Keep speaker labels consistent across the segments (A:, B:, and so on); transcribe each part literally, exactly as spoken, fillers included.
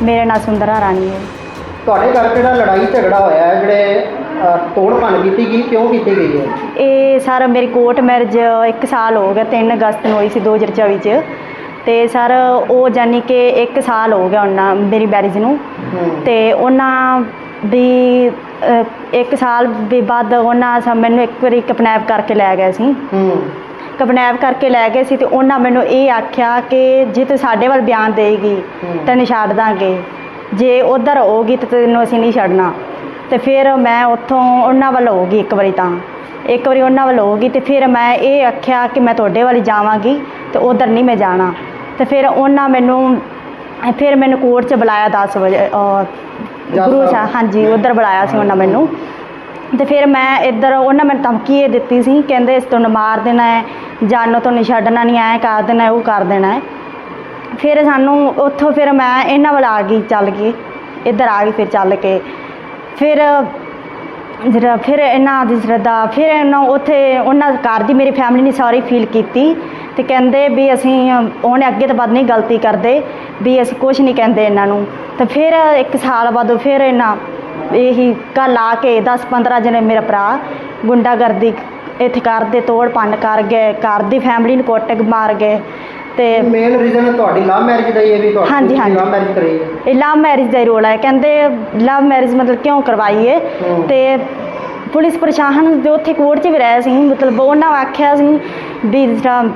A: मेरा नाम सुंदरा रानी है।
B: ਤੁਹਾਡੇ ਘਰ ਜਿਹੜਾ ਲੜਾਈ ਝਗੜਾ ਹੋਇਆ ਹੈ ਜਿਹੜੇ ਤੋੜ ਭੰਨ ਕੀਤੀ ਗਈ ਕਿਉਂ ਕੀਤੀ ਗਈ ਹੈ?
A: ਇਹ ਸਰ ਮੇਰੀ ਕੋਰਟ ਮੈਰਿਜ ਇੱਕ ਸਾਲ ਹੋ ਗਿਆ, ਤਿੰਨ ਅਗਸਤ ਨੂੰ ਹੋਈ ਸੀ ਦੋ ਹਜ਼ਾਰ ਚੌਵੀ 'ਚ। ਅਤੇ ਸਰ ਉਹ ਜਾਨੀ ਕਿ ਇੱਕ ਸਾਲ ਹੋ ਗਿਆ ਉਹਨਾਂ ਮੇਰੀ ਮੈਰਿਜ ਨੂੰ। ਅਤੇ ਉਹਨਾਂ ਵੀ ਇੱਕ ਸਾਲ ਵੀ ਬਾਅਦ ਉਹਨਾਂ ਸ ਮੈਨੂੰ ਇੱਕ ਵਾਰੀ ਕਿਡਨੈਪ ਕਰਕੇ ਲੈ ਗਏ ਸੀ। ਕਿਡਨੈਪ ਕਰਕੇ ਲੈ ਗਏ ਸੀ ਅਤੇ ਉਹਨਾਂ ਮੈਨੂੰ ਇਹ ਆਖਿਆ ਕਿ ਜੇ ਤੂੰ ਸਾਡੇ ਵੱਲ ਬਿਆਨ ਦੇਗੀ ਤੈਨੂੰ ਛੱਡ ਦਾਂਗੇ, ਜੇ ਉੱਧਰ ਹੋਊਗੀ ਤਾਂ ਤੈਨੂੰ ਅਸੀਂ ਨਹੀਂ ਛੱਡਣਾ। ਅਤੇ ਫਿਰ ਮੈਂ ਉੱਥੋਂ ਉਹਨਾਂ ਵੱਲ ਹੋ ਗਈ ਇੱਕ ਵਾਰੀ, ਤਾਂ ਇੱਕ ਵਾਰੀ ਉਹਨਾਂ ਵੱਲ ਹੋ ਗਈ ਅਤੇ ਫਿਰ ਮੈਂ ਇਹ ਆਖਿਆ ਕਿ ਮੈਂ ਤੁਹਾਡੇ ਵੱਲ ਜਾਵਾਂਗੀ ਅਤੇ ਉੱਧਰ ਨਹੀਂ ਮੈਂ ਜਾਣਾ। ਅਤੇ ਫਿਰ ਉਹਨਾਂ ਮੈਨੂੰ ਫਿਰ ਮੈਨੂੰ ਕੋਰਟ 'ਚ ਬੁਲਾਇਆ ਦਸ ਵਜੇ, ਗੁਰੂ ਸਾਹਿਬ, ਹਾਂਜੀ ਉੱਧਰ ਬੁਲਾਇਆ ਸੀ ਉਹਨਾਂ ਮੈਨੂੰ। ਅਤੇ ਫਿਰ ਮੈਂ ਇੱਧਰ ਉਹਨਾਂ ਮੈਨੂੰ ਧਮਕੀ ਇਹ ਦਿੱਤੀ ਸੀ, ਕਹਿੰਦੇ ਇਸ ਤੁਹਾਨੂੰ ਮਾਰ ਦੇਣਾ ਹੈ, ਜਾਨੋਂ ਤੁਹਾਨੂੰ ਛੱਡਣਾ ਨਹੀਂ, ਐਂ ਕਰ ਦੇਣਾ, ਉਹ ਕਰ ਦੇਣਾ ਹੈ। ਫਿਰ ਸਾਨੂੰ ਉੱਥੋਂ ਫਿਰ ਮੈਂ ਇਹਨਾਂ ਵੱਲ ਆ ਗਈ, ਚੱਲ ਗਈ ਇੱਧਰ ਆ ਗਈ। ਫਿਰ ਚੱਲ ਕੇ ਫਿਰ ਜਿਹੜਾ ਫਿਰ ਇਹਨਾਂ ਦੀ ਸ਼ਰਧਾ ਫਿਰ ਇਹਨਾਂ ਉੱਥੇ ਉਹਨਾਂ ਘਰ ਦੀ ਮੇਰੀ ਫੈਮਿਲੀ ਨੇ ਸਾਰੀ ਫੀਲ ਕੀਤੀ ਅਤੇ ਕਹਿੰਦੇ ਵੀ ਅਸੀਂ ਉਹਨੇ ਅੱਗੇ ਤੋਂ ਬਾਅਦ ਨਹੀਂ ਗਲਤੀ ਕਰਦੇ, ਵੀ ਅਸੀਂ ਕੁਛ ਨਹੀਂ ਕਹਿੰਦੇ ਇਹਨਾਂ ਨੂੰ। ਅਤੇ ਫਿਰ ਇੱਕ ਸਾਲ ਬਾਅਦ ਫਿਰ ਇਹਨਾਂ ਇਹੀ ਕੱਲ੍ਹ ਆ ਕੇ ਦਸ ਪੰਦਰਾਂ ਜਣੇ ਮੇਰਾ ਭਰਾ ਗੁੰਡਾਗਰਦੀ ਇੱਥੇ ਕਰਦੇ, ਤੋੜ ਭੰਨ ਕਰ ਗਏ, ਘਰ ਦੀ ਫੈਮਿਲੀ ਨੂੰ ਕੁੱਟ ਮਾਰ ਗਏ। ਅਤੇ
B: ਮੇਨ ਰੀਜ਼ਨ ਤੁਹਾਡੀ ਲਵ ਮੈਰਿਜ ਦਾ ਹੀ ਹੈ ਵੀ ਤੁਹਾਡੀ
A: ਹਾਂਜੀ ਹਾਂਜੀ
B: ਲਵ ਮੈਰਿਜ ਕਰਾਈ ਹੈ?
A: ਇਹ ਲਵ ਮੈਰਿਜ ਦਾ ਹੀ ਰੋਲ ਹੈ। ਕਹਿੰਦੇ ਲਵ ਮੈਰਿਜ ਮਤਲਬ ਕਿਉਂ ਕਰਵਾਈ ਹੈ? ਅਤੇ ਪੁਲਿਸ ਪ੍ਰਸ਼ਾਸਨ ਦੇ ਉੱਥੇ ਕੋਰਟ 'ਚ ਵੀ ਰਹੇ ਸੀ, ਮਤਲਬ ਉਹਨਾਂ ਆਖਿਆ ਸੀ ਵੀ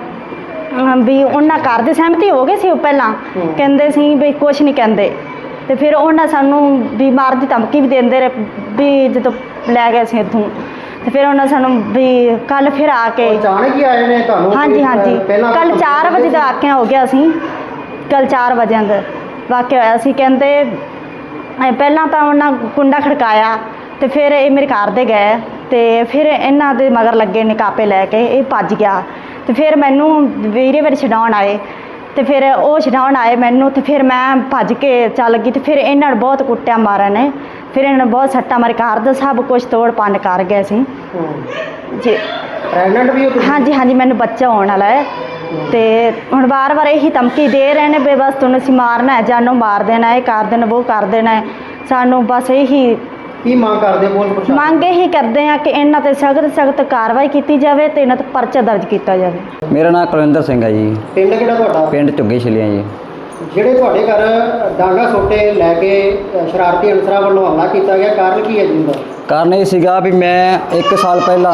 A: ਵੀ ਉਹਨਾਂ ਘਰ ਦੇ ਸਹਿਮਤੀ ਹੋ ਗਏ ਸੀ। ਉਹ ਪਹਿਲਾਂ ਕਹਿੰਦੇ ਸੀ ਵੀ ਕੁਛ ਨਹੀਂ ਕਹਿੰਦੇ, ਅਤੇ ਫਿਰ ਉਹਨਾਂ ਸਾਨੂੰ ਵੀ ਮਾਰ ਦੀ ਧਮਕੀ ਵੀ ਦਿੰਦੇ ਰਹੇ ਵੀ ਜਦੋਂ ਲੈ ਗਏ ਸੀ ਇੱਥੋਂ। ਅਤੇ ਫਿਰ ਉਹਨਾਂ ਸਾਨੂੰ ਵੀ ਕੱਲ੍ਹ ਫਿਰ ਆ ਕੇ
B: ਅਚਾਨਕ ਹੀ ਆਏ ਨੇ ਤੁਹਾਨੂੰ?
A: ਹਾਂਜੀ ਹਾਂਜੀ ਕੱਲ੍ਹ ਚਾਰ ਵਜੇ ਦਾ ਵਾਕਿਆ ਹੋ ਗਿਆ ਸੀ। ਕੱਲ੍ਹ ਚਾਰ ਵਜੇ ਦਾ ਵਾਕਿਆ ਹੋਇਆ ਸੀ। ਕਹਿੰਦੇ ਪਹਿਲਾਂ ਤਾਂ ਉਹਨਾਂ ਕੁੰਡਾ ਖੜਕਾਇਆ ਅਤੇ ਫਿਰ ਇਹ ਮੇਰੇ ਘਰ ਦੇ ਗਏ ਅਤੇ ਫਿਰ ਇਹਨਾਂ ਦੇ ਮਗਰ ਲੱਗੇ ਨੇ ਕਾਪੇ ਲੈ ਕੇ, ਇਹ ਭੱਜ ਗਿਆ। ਅਤੇ ਫਿਰ ਮੈਨੂੰ ਵੀਰੇ ਵਾਰੀ ਛਡਾਉਣ ਆਏ ਅਤੇ ਫਿਰ ਉਹ ਛਡਾਉਣ ਆਏ ਮੈਨੂੰ, ਅਤੇ ਫਿਰ ਮੈਂ ਭੱਜ ਕੇ ਚੱਲ ਗਈ। ਅਤੇ ਫਿਰ ਇਹਨਾਂ ਨੂੰ ਬਹੁਤ ਕੁੱਟਿਆ ਮਾਰਿਆ ਨੇ, ਫਿਰ ਇਹਨਾਂ ਨੂੰ ਬਹੁਤ ਸੱਟਾਂ ਮਾਰੇ, ਘਰ ਦਾ ਸਭ ਕੁਛ ਤੋੜ ਭੰਨ ਕਰ ਗਏ ਸੀ ਜੀ।
B: ਪ੍ਰੈਗਨੈਂਟ ਵੀ ਹੋ ਤੁਸੀਂ? ਹਾਂਜੀ
A: ਹਾਂਜੀ ਮੈਨੂੰ ਬੱਚਾ ਹੋਣ ਵਾਲਾ ਹੈ। ਅਤੇ ਹੁਣ ਵਾਰ ਵਾਰ ਇਹੀ ਧਮਕੀ ਦੇ ਰਹੇ ਨੇ ਵੀ ਬਸ ਤੁਹਾਨੂੰ ਅਸੀਂ ਮਾਰਨਾ ਹੈ, ਜਾਨੋਂ ਮਾਰ ਦੇਣਾ, ਇਹ ਕਰ ਦੇਣਾ, ਉਹ ਕਰ ਦੇਣਾ ਹੈ। ਸਾਨੂੰ ਬਸ ਇਹੀ
B: ਕੀ ਮੰਗ ਕਰਦੇ ਪੁਲਿਸ ਪ੍ਰਸ਼ਾਸਨ?
A: ਮੰਗ ਇਹੀ ਕਰਦੇ ਹਾਂ ਕਿ ਇਹਨਾਂ 'ਤੇ ਸਖਤ ਸਖਤ ਕਾਰਵਾਈ ਕੀਤੀ ਜਾਵੇ ਅਤੇ ਇਹਨਾਂ 'ਤੇ ਪਰਚਾ ਦਰਜ ਕੀਤਾ ਜਾਵੇ।
C: ਮੇਰਾ ਨਾਮ ਕੁਲਵਿੰਦਰ ਸਿੰਘ ਹੈ ਜੀ।
B: ਪਿੰਡ ਕਿਹੜਾ ਤੁਹਾਡਾ?
C: ਪਿੰਡ ਝੁੱਗੇ ਛਲੀਆਂ ਜੀ।
B: ਜਿਹੜੇ ਤੁਹਾਡੇ ਘਰ ਡਾਂਗਾ ਸੋਟੇ ਲੈ ਕੇ ਸ਼ਰਾਰਤੀ ਅਨਸਰਾਂ ਵੱਲੋਂ ਹਮਲਾ ਕੀਤਾ ਗਿਆ, ਕਾਰਨ ਕੀ ਹੈ ਜੀ ਉਹਦਾ?
C: ਕਾਰਨ ਇਹ ਸੀਗਾ ਵੀ ਮੈਂ ਇੱਕ ਸਾਲ ਪਹਿਲਾਂ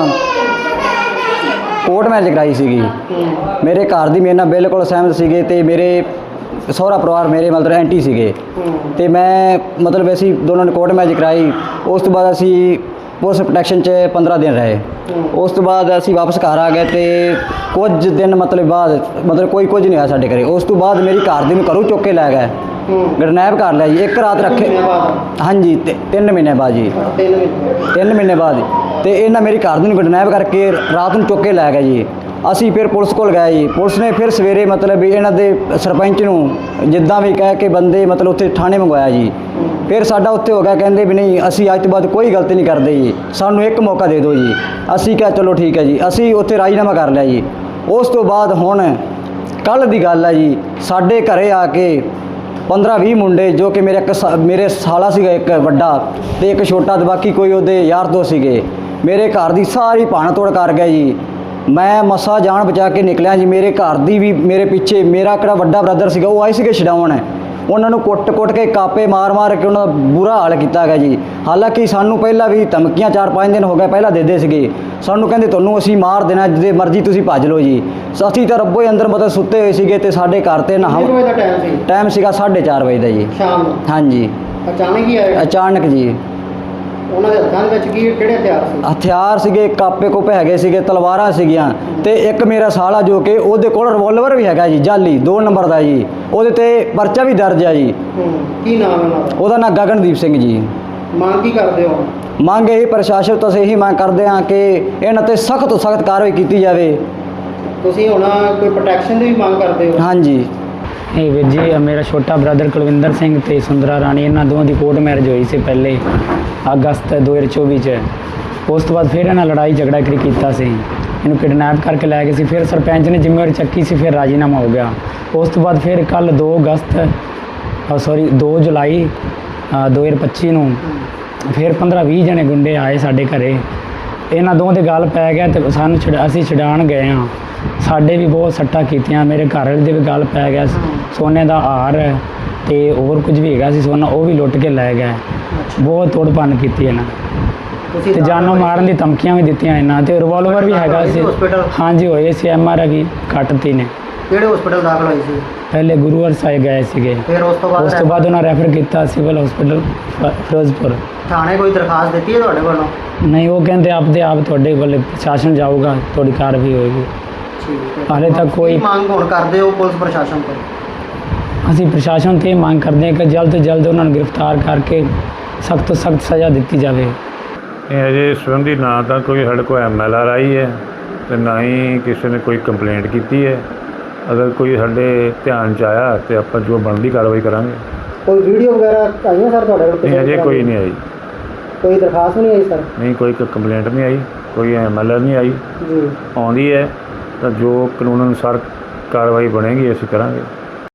C: ਕੋਰਟ ਮੈਰਿਜ ਕਰਾਈ ਸੀਗੀ। ਮੇਰੇ ਘਰ ਦੀ ਮੇਰੇ ਨਾਲ ਬਿਲਕੁਲ ਸਹਿਮਤ ਸੀਗੇ ਅਤੇ ਮੇਰੇ ਸਹੁਰਾ ਪਰਿਵਾਰ ਮੇਰੇ ਮਤਲਬ ਐਂਟੀ ਸੀਗੇ। ਅਤੇ ਮੈਂ ਮਤਲਬ ਅਸੀਂ ਦੋਨਾਂ ਨੇ ਕੋਰਟ ਮੈਰਿਜ ਕਰਾਈ। ਉਸ ਤੋਂ ਬਾਅਦ ਅਸੀਂ ਪੁਲਿਸ ਪ੍ਰੋਟੈਕਸ਼ਨ 'ਚ ਪੰਦਰਾਂ ਦਿਨ ਰਹੇ। ਉਸ ਤੋਂ ਬਾਅਦ ਅਸੀਂ ਵਾਪਸ ਘਰ ਆ ਗਏ ਅਤੇ ਕੁਝ ਦਿਨ ਮਤਲਬ ਬਾਅਦ ਮਤਲਬ ਕੋਈ ਕੁਝ ਨਹੀਂ ਹੋਇਆ ਸਾਡੇ ਘਰੇ। ਉਸ ਤੋਂ ਬਾਅਦ ਮੇਰੀ ਘਰ ਦੀ ਨੂੰ ਘਰੋਂ ਚੁੱਕ ਕੇ ਲੈ ਗਏ, ਕਿਡਨੈਪ ਕਰ ਲਿਆ ਜੀ। ਇੱਕ ਰਾਤ ਰੱਖੇ, ਹਾਂਜੀ ਤਿੰਨ ਮਹੀਨੇ ਬਾਅਦ ਜੀ, ਤਿੰਨ ਮਹੀਨੇ ਬਾਅਦ। ਅਤੇ ਇਹਨਾਂ ਮੇਰੀ ਘਰ ਦੀ ਨੂੰ ਕਿਡਨੈਪ ਕਰਕੇ ਰਾਤ ਨੂੰ ਚੁੱਕ ਕੇ ਲੈ ਗਏ ਜੀ। ਅਸੀਂ ਫਿਰ ਪੁਲਿਸ ਕੋਲ ਗਏ ਜੀ। ਪੁਲਿਸ ਨੇ ਫਿਰ ਸਵੇਰੇ ਮਤਲਬ ਵੀ ਇਹਨਾਂ ਦੇ ਸਰਪੰਚ ਨੂੰ ਜਿੱਦਾਂ ਵੀ ਕਹਿ ਕੇ ਬੰਦੇ ਮਤਲਬ ਉੱਥੇ ਥਾਣੇ ਮੰਗਵਾਇਆ ਜੀ। ਫਿਰ ਸਾਡਾ ਉੱਥੇ ਹੋ ਗਿਆ, ਕਹਿੰਦੇ ਵੀ ਨਹੀਂ ਅਸੀਂ ਅੱਜ ਤੋਂ ਬਾਅਦ ਕੋਈ ਗਲਤੀ ਨਹੀਂ ਕਰਦੇ ਜੀ, ਸਾਨੂੰ ਇੱਕ ਮੌਕਾ ਦੇ ਦਿਓ ਜੀ। ਅਸੀਂ ਕਿਹਾ ਚਲੋ ਠੀਕ ਹੈ ਜੀ, ਅਸੀਂ ਉੱਥੇ ਰਾਜੀਨਾਮਾ ਕਰ ਲਿਆ ਜੀ। ਉਸ ਤੋਂ ਬਾਅਦ ਹੁਣ ਕੱਲ੍ਹ ਦੀ ਗੱਲ ਹੈ ਜੀ, ਸਾਡੇ ਘਰੇ ਆ ਕੇ ਪੰਦਰਾਂ ਵੀਹ ਮੁੰਡੇ, ਜੋ ਕਿ ਮੇਰੇ ਇੱਕ ਮੇਰੇ ਸਾਲਾ ਸੀਗਾ ਇੱਕ ਵੱਡਾ ਅਤੇ ਇੱਕ ਛੋਟਾ, ਅਤੇ ਬਾਕੀ ਕੋਈ ਉਹਦੇ ਯਾਰ ਦੋਸਤ ਸੀਗੇ, ਮੇਰੇ ਘਰ ਦੀ ਸਾਰੀ ਭੰਨ ਤੋੜ ਕਰ ਗਏ ਜੀ। ਮੈਂ ਮਸਾ ਜਾਨ ਬਚਾ ਕੇ ਨਿਕਲਿਆ ਜੀ। ਮੇਰੇ ਘਰ ਦੀ ਵੀ ਮੇਰੇ ਪਿੱਛੇ ਮੇਰਾ ਕਿਹੜਾ ਵੱਡਾ ਬ੍ਰਦਰ ਸੀਗਾ, ਉਹ ਆਏ ਸੀਗੇ ਛਡਾਉਣ। ਉਹਨਾਂ ਨੂੰ ਕੁੱਟ-ਕੁੱਟ ਕੇ ਕਾਪੇ ਮਾਰ-ਮਾਰ ਕੇ ਉਹਨਾਂ ਦਾ ਬੁਰਾ ਹਾਲ ਕੀਤਾ ਗਿਆ ਜੀ। ਹਾਲਾਂਕਿ ਸਾਨੂੰ ਪਹਿਲਾਂ ਵੀ ਧਮਕੀਆਂ ਚਾਰ ਪੰਜ ਦਿਨ ਹੋ ਗਏ ਪਹਿਲਾਂ ਦਿੰਦੇ ਸੀਗੇ। ਸਾਨੂੰ ਕਹਿੰਦੇ ਤੁਹਾਨੂੰ ਅਸੀਂ ਮਾਰ ਦੇਣਾ, ਜਿੱਦੇ ਮਰਜ਼ੀ ਤੁਸੀਂ ਭੱਜ ਲਓ ਜੀ। ਅਸੀਂ ਤਾਂ ਰੱਬੋ ਹੀ ਅੰਦਰ ਮਤਲਬ ਸੁੱਤੇ ਹੋਏ ਸੀਗੇ ਅਤੇ ਸਾਡੇ ਘਰ 'ਤੇ ਨਾ ਟਾਈਮ ਸੀਗਾ ਸਾਢੇ ਚਾਰ ਵਜੇ ਦਾ ਜੀ
B: ਸ਼ਾਮ ਨੂੰ।
C: ਹਾਂਜੀ
B: ਅਚਾਨਕ ਹੀ ਆਏ?
C: ਅਚਾਨਕ ਜੀ।
B: ਉਹਨਾਂ ਦੇ ਹੱਥਾਂ ਦੇ ਵਿੱਚ ਕੀ ਕਿਹੜੇ ਹਥਿਆਰ ਸੀ?
C: ਹਥਿਆਰ ਸੀਗੇ, ਕਾਪੇ ਕੋਪੇ ਹੈਗੇ ਸੀਗੇ, ਤਲਵਾਰਾਂ ਸੀਗੀਆਂ, ਅਤੇ ਇੱਕ ਮੇਰਾ ਸਾਲਾ ਜੋ ਕਿ ਉਹਦੇ ਕੋਲ ਰਿਵੋਲਵਰ ਵੀ ਹੈਗਾ ਜੀ, ਜਾਲੀ ਦੋ ਨੰਬਰ ਦਾ ਜੀ। ਉਹਦੇ 'ਤੇ ਪਰਚਾ ਵੀ ਦਰਜ ਹੈ ਜੀ।
B: ਕੀ ਨਾਮ ਹੈ ਉਹਨਾਂ ਦਾ?
C: ਉਹਦਾ ਨਾਂ ਗਗਨਦੀਪ ਸਿੰਘ ਜੀ।
B: ਮੰਗ ਕੀ ਕਰਦੇ ਹੋ?
C: ਮੰਗ ਇਹੀ ਪ੍ਰਸ਼ਾਸਨ ਤੋਂ ਅਸੀਂ ਇਹੀ ਮੰਗ ਕਰਦੇ ਹਾਂ ਕਿ ਇਹਨਾਂ 'ਤੇ ਸਖਤ ਤੋਂ ਸਖਤ ਕਾਰਵਾਈ ਕੀਤੀ ਜਾਵੇ।
B: ਤੁਸੀਂ ਹੁਣ ਕੋਈ ਪ੍ਰੋਟੈਕਸ਼ਨ ਦੀ ਵੀ ਮੰਗ ਕਰਦੇ ਹੋ?
C: ਹਾਂਜੀ।
D: ਇਹ ਵੀਰ ਜੀ ਮੇਰਾ ਛੋਟਾ ਬ੍ਰਦਰ ਕੁਲਵਿੰਦਰ ਸਿੰਘ ਅਤੇ ਸੁੰਦਰਾ ਰਾਣੀ, ਇਹਨਾਂ ਦੋਵਾਂ ਦੀ ਕੋਰਟ ਮੈਰਿਜ ਹੋਈ ਸੀ ਪਹਿਲੇ ਅਗਸਤ ਦੋ ਹਜ਼ਾਰ ਚੌਵੀ 'ਚ। ਉਸ ਤੋਂ ਬਾਅਦ ਫਿਰ ਇਹਨਾਂ ਲੜਾਈ ਝਗੜਾ ਕਰੀ ਕੀਤਾ ਸੀ, ਇਹਨੂੰ ਕਿਡਨੈਪ ਕਰਕੇ ਲੈ ਗਏ ਸੀ। ਫਿਰ ਸਰਪੰਚ ਨੇ ਜ਼ਿੰਮੇਵਾਰੀ ਚੱਕੀ ਸੀ, ਫਿਰ ਰਾਜੀਨਾਮਾ ਹੋ ਗਿਆ। ਉਸ ਤੋਂ ਬਾਅਦ ਫਿਰ ਕੱਲ੍ਹ ਦੋ ਅਗਸਤ ਸੌਰੀ ਦੋ ਜੁਲਾਈ ਅ, ਦੋ ਹਜ਼ਾਰ ਪੱਚੀ ਨੂੰ ਫਿਰ ਪੰਦਰਾਂ ਵੀਹ ਜਣੇ ਗੁੰਡੇ ਆਏ ਸਾਡੇ ਘਰੇ। ਇਹਨਾਂ ਦੋਵਾਂ ਦੇ ਗੱਲ ਪੈ ਗਿਆ ਤੇ ਸਾਨੂੰ ਛਡ ਅਸੀਂ ਛਡਾਉਣ ਗਏ ਹਾਂ। ਸਾਡੇ ਵੀ ਬਹੁਤ ਸੱਟਾਂ ਕੀਤੀਆਂ, ਮੇਰੇ ਘਰ ਵਾਲੇ ਦੇ ਵੀ ਗੱਲ ਪੈ ਗਿਆ। ਸੋਨੇ ਦਾ ਹਾਰ ਤੇ ਹੋਰ ਕੁਝ ਵੀ ਹੈਗਾ ਸੀ ਸੋਨਾ, ਉਹ ਵੀ ਲੁੱਟ ਕੇ ਲੈ ਗਏ। ਬਹੁਤ ਤੋੜ ਭੰਨ ਕੀਤੀ ਇਹਨਾਂ
B: ਤੁਸੀਂ
D: ਤੇ
B: ਦਾਖਲ
D: ਜਾਨੋਂ
B: ਹੋਏ
D: ਮਾਰਨ ਦੀ ਧਮਕੀਆਂ ਵੀ ਦਿੱਤੀਆਂ ਇਹਨਾਂ ਤੇ ਰਿਵਾਲਵਰ ਵੀ ਹੈਗਾ ਸੀ।
B: ਹਸਪੀਟਲ
D: ਹਾਂਜੀ ਹੋਏ ਸੀ, ਐਮ ਆਰ ਵੀ ਕੱਟਤੀ ਨੇ।
B: ਕਿਹੜੇ ਹਸਪੀਟਲ ਦਾਖਲ ਹੋਏ ਸੀ?
D: ਪਹਿਲੇ ਗੁਰੂਵਾਰ ਸਾਹਿਬ ਗਏ ਸੀਗੇ,
B: ਫਿਰ ਉਸ ਤੋਂ ਬਾਅਦ
D: ਉਸ ਤੋਂ ਬਾਅਦ ਉਹਨਾਂ ਰੈਫਰ ਕੀਤਾ ਸਿਵਲ ਹਸਪੀਟਲ ਫਿਰੋਜ਼ਪੁਰ।
B: ਥਾਣੇ ਕੋਈ ਦਰਖਾਸਤ ਦਿੱਤੀ ਹੈ ਤੁਹਾਡੇ ਵੱਲੋਂ?
D: ਨਹੀਂ, ਉਹ ਕਹਿੰਦੇ ਆਪਦੇ ਆਪ ਤੁਹਾਡੇ ਕੋਲ ਪ੍ਰਸ਼ਾਸਨ ਜਾਊਗਾ, ਤੁਹਾਡੀ ਕਾਰਵਾਈ ਹੋਏਗੀ।
B: ਠੀਕ ਹੈ।
D: ਹਾਲੇ ਤੱਕ ਕੋਈ
B: ਕੀ ਮੰਗ ਹੁਣ ਕਰਦੇ ਹੋ ਪੁਲਿਸ ਪ੍ਰਸ਼ਾਸਨ ਤੋਂ?
D: ਅਸੀਂ ਪ੍ਰਸ਼ਾਸਨ ਤੇ ਇਹ ਮੰਗ ਕਰਦੇ ਹਾਂ ਕਿ ਜਲਦ ਤੋਂ ਜਲਦ ਉਹਨਾਂ ਨੂੰ ਗ੍ਰਿਫਤਾਰ ਕਰਕੇ ਸਖਤ ਤੋਂ ਸਖਤ ਸਜ਼ਾ ਦਿੱਤੀ ਜਾਵੇ।
E: ਇਹ ਅਜੇ ਇਸ ਸੰਬੰਧੀ ਨਾ ਤਾਂ ਕੋਈ ਸਾਡੇ ਕੋਲ ਐਮ ਐਲ ਆਰ ਆਈ ਹੈ ਅਤੇ ਨਾ ਹੀ ਕਿਸੇ ਨੇ ਕੋਈ ਕੰਪਲੇਂਟ ਕੀਤੀ ਹੈ। ਅਗਰ ਕੋਈ ਸਾਡੇ ਧਿਆਨ 'ਚ ਆਇਆ ਤੇ ਆਪਾਂ ਜੋ ਬਣਦੀ ਕਾਰਵਾਈ ਕਰਾਂਗੇ।
B: ਕੋਈ ਵੀਡੀਓ ਵਗੈਰਾ ਆਈਆਂ ਸਰ ਤੁਹਾਡੇ ਕੋਲ?
E: ਨਹੀਂ, ਅਜੇ ਕੋਈ ਨਹੀਂ ਆਈ।
B: ਕੋਈ ਦਰਖਾਸਤ ਨਹੀਂ ਆਈ ਸਰ?
E: ਨਹੀਂ, ਕੋਈ ਕੰਪਲੇਂਟ ਨਹੀਂ ਆਈ, ਕੋਈ ਐਮ ਐਲ ਆਰ ਨਹੀਂ ਆਈ।
B: ਜੀ।
E: ਆਉਂਦੀ ਹੈ ਤਾਂ ਜੋ ਕਾਨੂੰਨ ਅਨੁਸਾਰ ਕਾਰਵਾਈ ਬਣੇਗੀ ਅਸੀਂ ਕਰਾਂਗੇ।